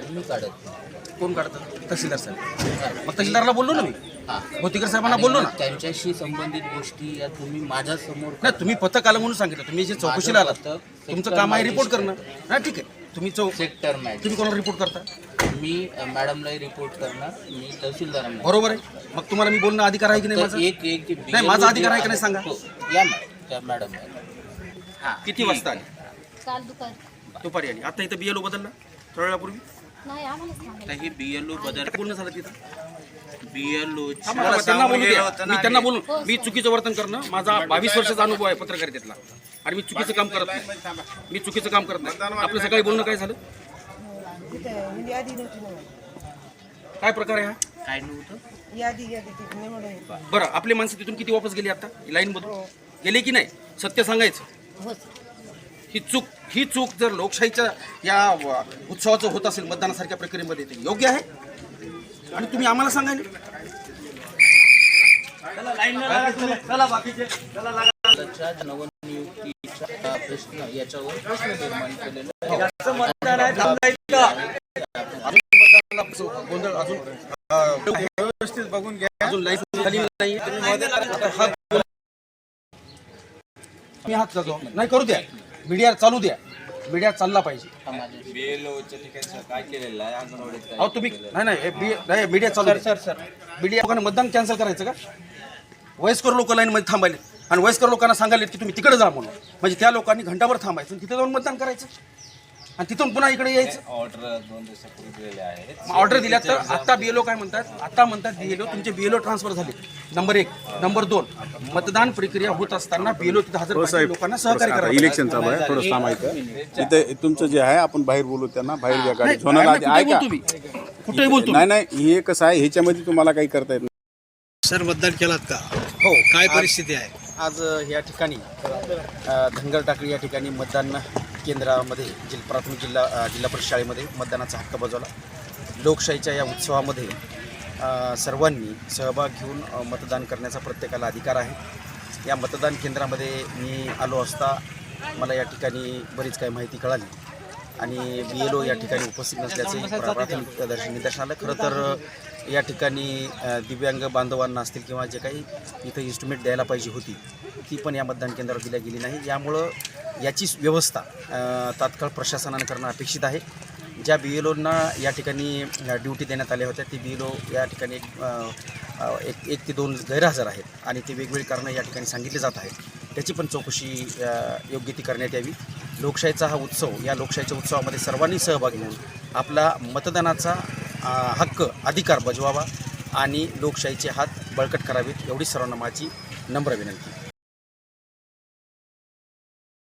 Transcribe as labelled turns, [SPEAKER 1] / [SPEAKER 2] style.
[SPEAKER 1] मी काढत नाही.
[SPEAKER 2] कोण काढतं? तहसीलदार साहेब. मग तहसीलदारला बोललो ना मी, भोतीकर साहेबांना
[SPEAKER 1] आणि
[SPEAKER 2] बोललो ना.
[SPEAKER 1] त्यांच्याशी संबंधित गोष्टी या तुम्ही माझ्या समोर
[SPEAKER 2] नाही, तुम्ही पथक आलं म्हणून सांगितलं. तुम्ही जे चौकशीला आलात, तुमचं काम आहे रिपोर्ट करणं. नाही, ठीक आहे. तुम्ही
[SPEAKER 1] सेक्टर मॅच
[SPEAKER 2] तुम्ही कोणाला रिपोर्ट करता?
[SPEAKER 1] मी मॅडमलाही रिपोर्ट करणार, मी तहसीलदारांना.
[SPEAKER 2] बरोबर आहे. मग तुम्हाला मी बोलणं अधिकार आहे की नाही?
[SPEAKER 1] तर
[SPEAKER 2] माझा
[SPEAKER 1] एक
[SPEAKER 2] नाही, माझा अधिकार आहे का नाही सांगा.
[SPEAKER 1] हो, या मॅडम, त्या मॅडम.
[SPEAKER 2] किती वाजता आली?
[SPEAKER 3] काल दुपारी.
[SPEAKER 2] दुपारी आली. आता इथं BLO बदलला थोड्या वेळापूर्वी.
[SPEAKER 3] नाही आम्हालाच सांगितलं.
[SPEAKER 1] ही BLO बदल
[SPEAKER 2] बोलणं झालं तिथं.
[SPEAKER 1] BLO
[SPEAKER 2] त्यांना बोलू द्या. मी त्यांना बोलून मी चुकीचं वर्तन करणं, माझा 22 वर्षाचा अनुभव आहे पत्रकारितेतला, आणि मी चुकीचं काम करत नाही. मी चुकीचं काम करत नाही. आपलं सकाळी बोलणं काय झालं? काय प्रकार आहे हा?
[SPEAKER 1] काय नव्हतं.
[SPEAKER 4] यादी
[SPEAKER 2] बरं, आपली माणसं तिथून किती वापस गेली आता लाईन मधून? गेले की नाही? सत्य सांगायचं. ही चूक जर लोकशाहीच्या या उत्सवाचं होत असेल, मतदानासारख्या प्रक्रियेमध्ये, ते योग्य आहे. आणि तुम्ही आम्हाला सांगायला
[SPEAKER 1] त्याच्या नवनियुक्तीचा प्रश्न, याच्यावर प्रश्न निर्माण केलेला
[SPEAKER 2] गोंधळ अजून व्यवस्थित बघून घ्या. अजून लाईन झाली नाही. मी हात करतो. नाही, करू द्या. मीडिया चालू द्या. मीडिया चालला पाहिजे.
[SPEAKER 5] काय केलेलं आहे अंगणवाडीत?
[SPEAKER 2] अहो तुम्ही नाही मीडिया चालू द्या. सर मीडिया लोकांना मतदान कॅन्सल करायचं का? वयस्कर लोक लाईनमध्ये थांबायले आणि वयस्कर लोकांना सांगायले की तुम्ही तिकडे जा म्हणून. म्हणजे त्या लोकांनी घंटाभर थांबायचं, तिथे जाऊन मतदान करायचं आणि तिथून पुन्हा इकडे यायचं.
[SPEAKER 5] ऑर्डर 2 दिवसापूर्वी दिलेले आहेत.
[SPEAKER 2] ऑर्डर दिल्या तर आता BLO काय म्हणतात? आता म्हणतात BLO तुमचे BLO ट्रान्सफर झाले. नंबर 1. नंबर 2, मतदान प्रक्रिया होत असताना BLO तिथे हजर पाहिजे, लोकांना सहकार्य करावं.
[SPEAKER 6] इलेक्शन चालू आहे, थोडं थांबायचं. इथे तुमचं जे आहे आपण बाहेर बोलू, त्यांना बाहेर घ्या. गाडी झोनल आधी ऐका.
[SPEAKER 2] कुठेही बोलतो.
[SPEAKER 6] नाही, हे कसं आहे, ह्याच्यामध्ये तुम्हाला काही करता येत नाही.
[SPEAKER 7] सर, मतदान केलात का?
[SPEAKER 2] हो.
[SPEAKER 7] काय परिस्थिती आहे
[SPEAKER 2] आज या ठिकाणी धनगर टाकळी या ठिकाणी मतदान केंद्रामध्ये प्राथमिक जिल्हा परिषद शाळेमध्ये मतदानाचा हक्क बजावला. लोकशाहीच्या या उत्सवामध्ये सर्वांनी सहभाग घेऊन मतदान करण्याचा प्रत्येकाला अधिकार आहे. या मतदान केंद्रामध्ये मी आलो असता मला या ठिकाणी बरीच काही माहिती कळाली आणि BLO या ठिकाणी उपस्थित नसल्याचे प्राथमिक निदर्शन आलं. खरं तर या ठिकाणी दिव्यांग बांधवांना असतील किंवा जे काही इथं इन्स्ट्रुमेंट द्यायला पाहिजे होती ती पण या मतदान केंद्रावर दिल्या गेली नाही. यामुळं याची व्यवस्था तात्काळ प्रशासनानं करणं अपेक्षित आहे. ज्या BLOंना या ठिकाणी ड्युटी देण्यात आल्या होत्या, ती BLO या ठिकाणी एक ते 2 गैरहजर आहेत आणि ते वेगवेगळी कारणं या ठिकाणी सांगितले जात आहेत. त्याची पण चौकशी योग्य ती करण्यात यावी. लोकशाहीचा हा उत्सव, या लोकशाहीच्या उत्सवामध्ये सर्वांनी सहभाग घेऊन आपला मतदानाचा हक्क, अधिकार बजवावा आणि लोकशाहीचे हात बळकट करावेत, एवढी सर्वांना माझी नम्र विनंती.